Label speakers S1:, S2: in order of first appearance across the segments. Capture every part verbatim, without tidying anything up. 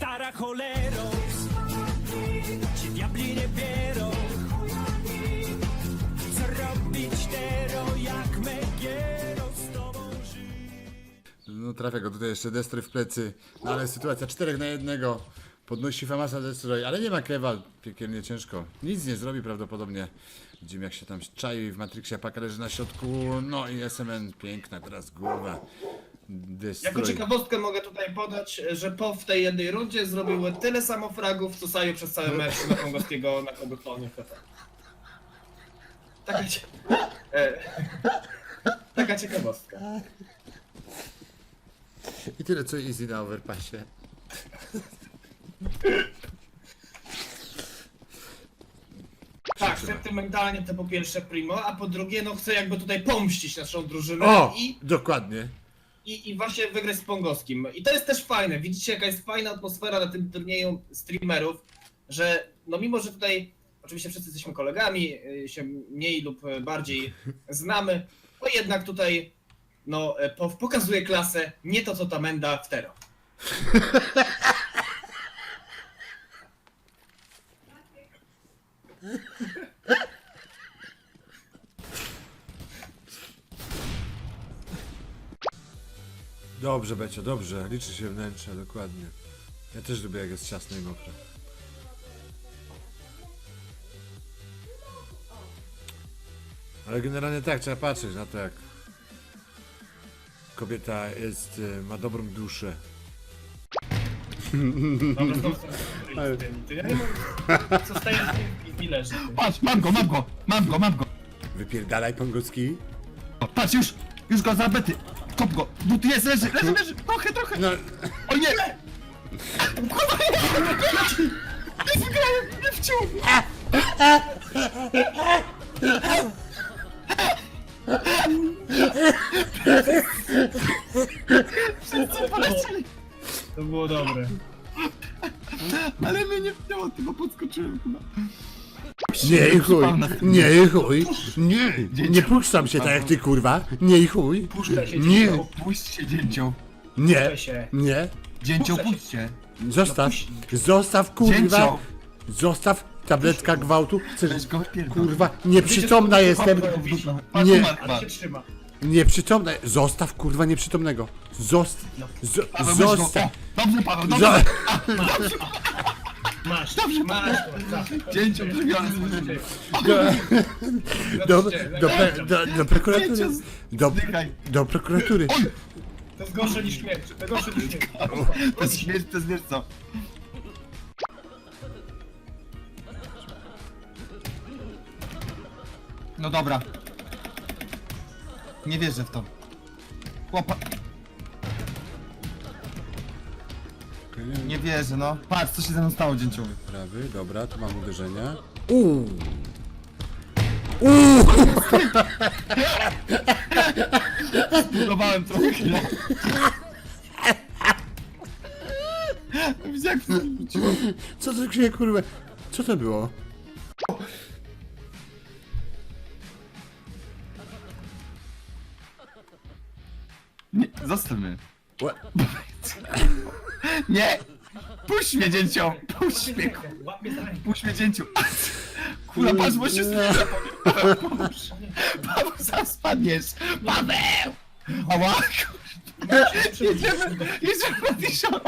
S1: stara cholero, ci diabli nie wierą. Co robić tero, jak Megiero z tobą żyć?
S2: No trafia go tutaj jeszcze Destry w plecy, no ale sytuacja czterech na jednego. Podnosi Famasa Destroy, ale nie ma Kewa, piekielnie ciężko. Nic nie zrobi prawdopodobnie. Widzimy jak się tam czai w Matrixie, Paka leży na środku, no i S M N, piękna teraz głowa. Destroy.
S3: Jako ciekawostkę mogę tutaj podać, że po w tej jednej rundzie zrobiły tyle samo fragów, co Saju przez cały mecz na Pongowskiego na Kobyklonie. Taka, cie... e... Taka ciekawostka.
S2: I tyle co Easy na overpassie.
S3: Tak, sentymentalnie to po pierwsze Primo, a po drugie no chcę jakby tutaj pomścić naszą drużynę
S2: O!
S3: i,
S2: Dokładnie.
S3: i, i właśnie wygrać z Pongowskim. I to jest też fajne, widzicie jaka jest fajna atmosfera na tym turnieju streamerów, że no mimo, że tutaj oczywiście wszyscy jesteśmy kolegami, y, się mniej lub bardziej znamy, to jednak tutaj no po, pokazuje klasę nie to co ta Menda w Tero.
S2: Dobrze, Becio, dobrze. Liczy się wnętrze, dokładnie. Ja też lubię jak jest ciasno i mokre. Ale generalnie tak, trzeba patrzeć na to jak kobieta jest, y, ma dobrą duszę.
S3: Dobra, znowu są ty, ja nie mogę, co staje i leży.
S4: Patrz, mam go, mam go, mam go, mam go.
S2: Wypierdalaj Pongowski.
S4: O, patrz, już, już go zabety. Kop go, no tu jest, leży, leży, leży, trochę, trochę.
S2: No,
S4: O nie! Kurwa, nie! Nie wygrałem, nie wciął! Wszyscy polecieli.
S3: To było dobre.
S4: Ale mnie nie wcięło, tylko podskoczyłem chyba.
S2: nie i chuj,
S4: Przypał na-
S2: nie i chuj, nie, nie puszczam się tak jak ty kurwa, nie i chuj,
S3: Puszczę się,
S2: nie,
S4: O, puść się, dzięcioł.
S2: nie,
S3: Puszczę się.
S2: nie,
S4: Dzięcioł,
S3: Puszczę się.
S4: puść się.
S2: zostaw, zostaw kurwa,
S4: Dzięcioł.
S2: zostaw tabletka gwałtu, chcesz,
S4: Weź go pierdol.
S2: kurwa, nieprzytomna jestem,
S4: Patrz,
S2: nie.
S4: umarł
S3: Ale
S4: chyba.
S3: się trzyma.
S2: nieprzytomna, zostaw kurwa nieprzytomnego, Zost, zo,
S4: Paweł, weź go.
S2: zostaw,
S4: O, dobrze, Paweł,
S2: zo,
S4: dobrze.
S3: Masz,
S4: Dobrze,
S3: masz.
S4: Dzięcioł, przegrany.
S2: do, do, do, pre- do, do prokuratury, do,
S4: Zdychaj.
S2: do prokuratury,
S3: To jest gorsze niż śmierć, to gorsze niż śmierć.
S4: To jest śmierć, to jest wiesz co. No dobra. Nie wierzę w to. Chłopa... Nie wierzę, no. Patrz, co się ze mną stało, dzięcioły.
S2: prawy, dobra, tu mam uderzenia, uuu, uuu,
S4: Budowałem trochę chwilę. Widzisz jak
S2: co to się kurwa, co to było?
S4: Nie, zostaw mnie.
S2: Ła-
S4: Nie! Puść mnie, dzięcioł! Puść mnie,
S3: Łap mnie za rękę.
S4: puść mnie, dzięciu! Kurwa, patrz, bo się zniszczy. Paweł, pomóż. Paweł, zaraz spadniesz! Paweł! Ała! Jedziemy, jedziemy na tysiąc!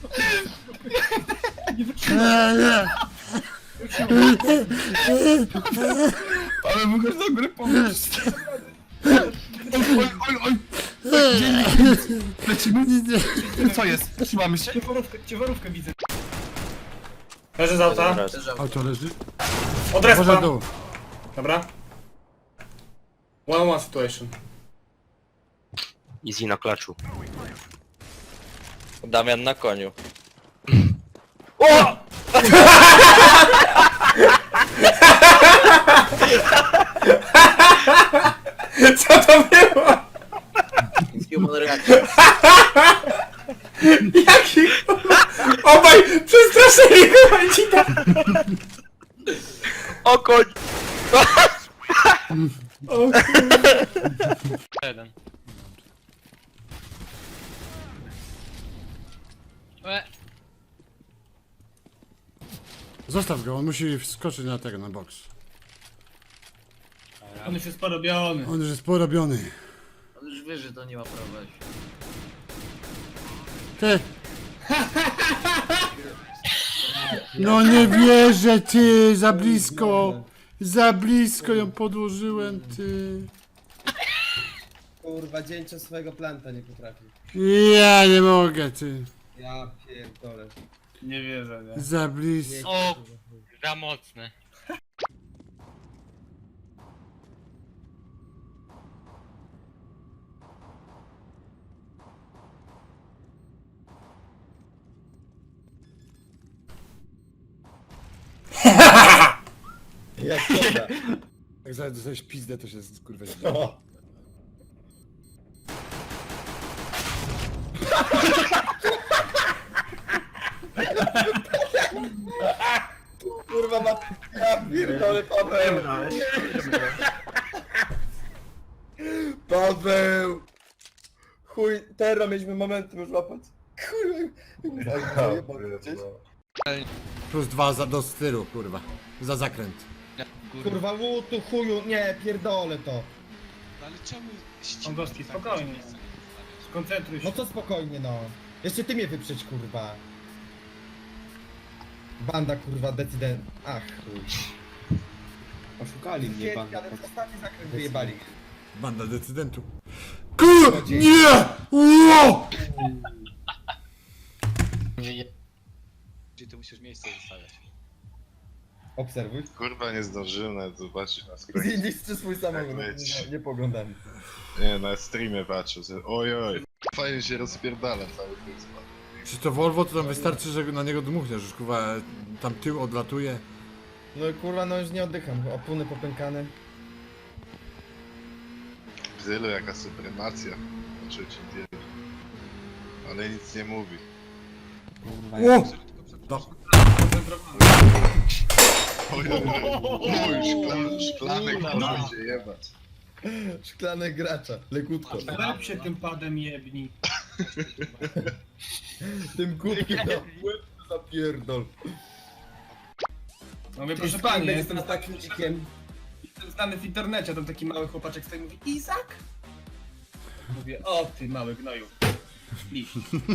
S4: Paweł, wychodź do góry, pomóż! Oj, oj, oj! oj. Dzień, lecimy? Co jest? Trzymamy się?
S3: Ciężarówkę, ciężarówkę widzę. Leży z auta.
S2: Auto leży?
S3: Od
S2: Może
S3: respa.
S2: dół.
S3: Dobra. One on one situation.
S5: Easy na klaczu. Damian na koniu.
S3: O! Co to było?
S5: Human reaction.
S3: Jaki obaj przestraszyli chyba ci tam.
S5: O koń!
S6: Jeden. E.
S2: Zostaw go, on musi wskoczyć na tego, na boks.
S3: On już jest porobiony.
S2: On już jest porobiony.
S6: On już wie, że to nie ma prawa.
S2: Ty! No nie wierzę, ty! Za blisko! Za blisko ją podłożyłem, ty!
S7: Kurwa, dzięcia swojego planta nie potrafi.
S2: Ja nie mogę, ty!
S7: Ja pierdolę.
S3: Nie wierzę, nie?
S2: Za blisko.
S8: O, za mocne.
S7: Jak dobra.
S2: Jak zaraz dostajesz pizdę, to się kurwa
S7: O. Kurwa ma... Ja pierdolę, Paweł! Paweł! Chuj, teraz mieliśmy momentum już łapać. Kurwa, jebać gdzieś.
S2: Plus dwa za, do stylu, kurwa. Za zakręt.
S7: Kurwa, łutu, chuju, nie, pierdolę to.
S9: Ale czemu
S3: Pongowski, spokojnie. Skoncentruj się.
S7: No to spokojnie, no. Jeszcze ty mnie wyprzeć, kurwa. Banda, kurwa, decydent. Ach, chuj. Oszukali mnie, banda. Ale ostatni zakręt wyjebali.
S2: Banda decydentu. Kur... Nie! Ło!
S9: ty musisz miejsce zostawiać?
S7: Obserwuj.
S10: Kurwa, nie zdążyłem nawet zobaczyć na
S7: Zjedź
S10: screenie.
S7: czy swój samochód,
S10: leci.
S7: nie, nie poglądam.
S10: Nie, na streamie patrzę, że ojoj. Fajnie się rozpierdala cały ten skład.
S2: Czy to Volvo, to tam wystarczy, że na niego dmuchniesz, już kurwa tam tył odlatuje.
S7: No kurwa, no już nie oddycham, opony popękane.
S10: Bzylu, jaka supremacja. Znaczy ci wiele. Ale nic nie mówi.
S2: O! No.
S10: Ojoj, oj, szklany, szklanek może się jebać.
S7: Szklane gracza, lekutko.
S3: Lep się tym padem jebni.
S7: Tym kubkiem na łeb zapierdol.
S3: No mówię, proszę pani, ja jestem,
S7: jestem takim dzikiem.
S3: jestem znany w internecie, tam taki mały chłopaczek stoi i mówi Izak? Mówię, o ty mały gnoju. Liść.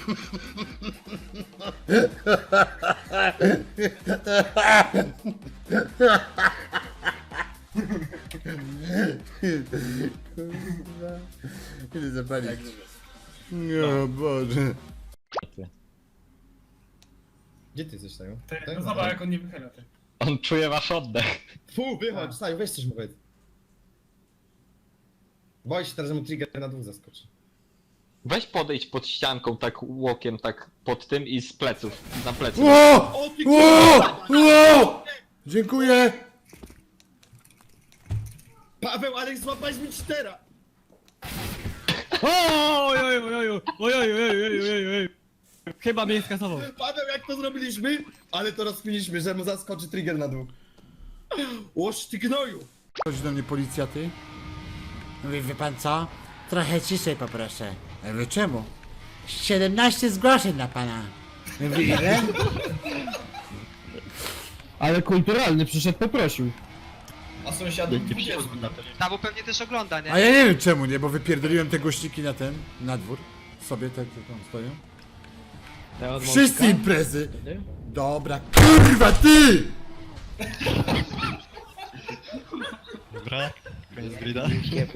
S2: Idę zapalić. O Boże.
S7: Gdzie ty jesteś, Saju?
S3: Ty, no zobacz jak on nie wychyla, ty.
S8: On czuje wasz oddech.
S7: Fu, wychodź, Saju, weź coś mu powiedz. Boję się teraz, że mu trigger na dwóch zaskoczy.
S8: Weź podejdź pod ścianką, tak łokiem, tak pod tym i z pleców, na plecy.
S2: Ło! Ło! Ło! Dziękuję!
S7: Paweł, ale złapałeś mi cztera!
S6: Oj, oj, oj, oj, oj, oj, oj, oj, oj, oj, oj. Chyba mnie skasował.
S7: Paweł, jak to zrobiliśmy? Ale to rozpiliśmy, że mu zaskoczy trigger na dwóch. Łoż ty gnoju!
S2: Chodzi do mnie policja, ty? Mówi, wie pan co? Trochę ciszej poproszę. Ja mówię, czemu? siedemnaście zgłoszeń na pana. Mówi, ile?
S6: Ale kulturalny, przyszedł, poprosił.
S3: A sąsiadów dwudziestu.
S8: No bo pewnie też ogląda,
S2: A ja nie wiem czemu nie, bo wypierdoliłem te głośniki na ten, na dwór. Sobie te, te tam stoją. Wszyscy imprezy! Dobra, kurwa ty!
S9: Dobra, koniec grida.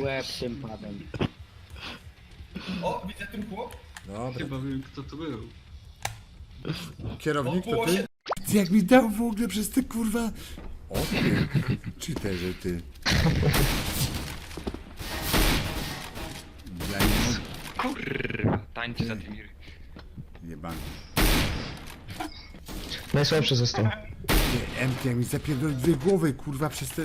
S3: O, widzę ten chłop.
S2: Dobra.
S6: Chyba wiem, kto to był.
S2: Kierownik to
S3: Było
S2: ty?
S3: się-
S2: Ty jak mi dał w ogóle przez te kurwa... O ty, czy te, że ty? Ja nie mogę.
S8: Kurwa, tańczy za tymi...
S2: Jebany.
S6: Najsłabszy został.
S2: Ty, M T mi zapierdolił dwie głowy, kurwa, przez te...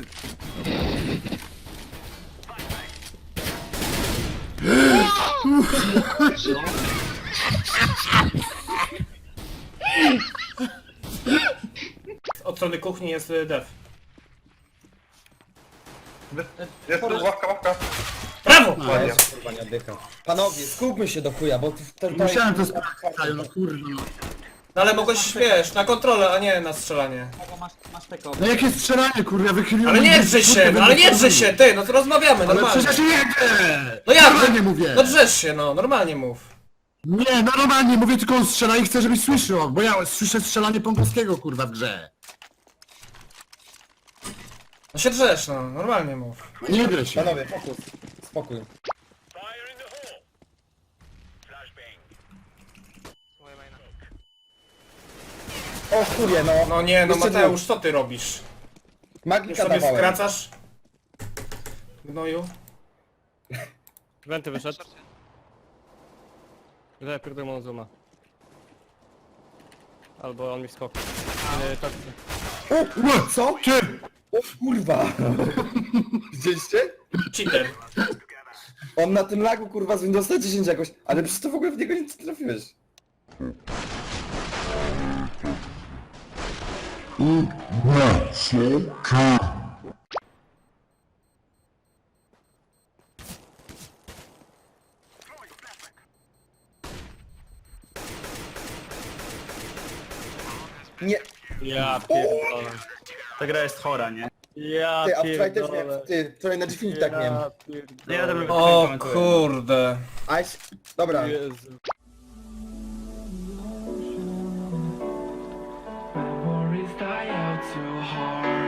S3: Od strony kuchni jest y, def.
S10: Jest tu ławka, ławka.
S3: Brawo!
S7: A ja się kurwa nie oddycham. Panowie, skupmy się do chuja, bo to, to
S2: Musiałem to sprawdzić, no kurwa.
S3: No ale mogłeś, wiesz, na kontrolę, a nie na strzelanie.
S2: No jakie strzelanie, kurwa, wychyliłem...
S3: Ale nie
S2: mnie,
S3: drzesz
S2: kurwa,
S3: się, no ale nie
S2: będę
S3: drzesz się, ty, no to rozmawiamy,
S2: Ale
S3: normalnie.
S2: przecież nie jedę!
S3: No jak?
S2: Normalnie mówię!
S3: No drzesz się, no, normalnie mów.
S2: Nie, no normalnie mówię, tylko on strzela i chcę, żebyś słyszał, bo ja słyszę strzelanie Pongowskiego, kurwa, w grze.
S3: No się drzesz, no, normalnie mów.
S2: Nie drę się.
S7: Panowie, fokus. Spokój. O chuję, no.
S3: No nie, no
S7: Jeszcze
S3: Mateusz, co ty robisz? Już
S7: Magika
S3: sobie
S7: dawałem.
S3: skracasz? Gnoju?
S6: Wenty wyszedł. Gdzie pierdolę Monzuma. Albo on mi skok. Nie, tak.
S7: O, co? Ty? O kurwa. Widzieliście?
S3: Cheater.
S7: On na tym lagu kurwa z Windowsa dziesięć jakoś, ale przecież to w ogóle w niego nic nie trafiłeś. Nie,
S6: Ja pierdolę.
S4: Ta gra jest chora, nie?
S6: Ja
S7: ty, a wczoraj też
S6: pierdolę.
S7: miałem, ty, wczoraj na G-Film tak miałem.
S6: Ja pierdolę.
S3: O kurde.
S7: Aś, dobra.
S6: Jezu.
S1: Memories die out too hard.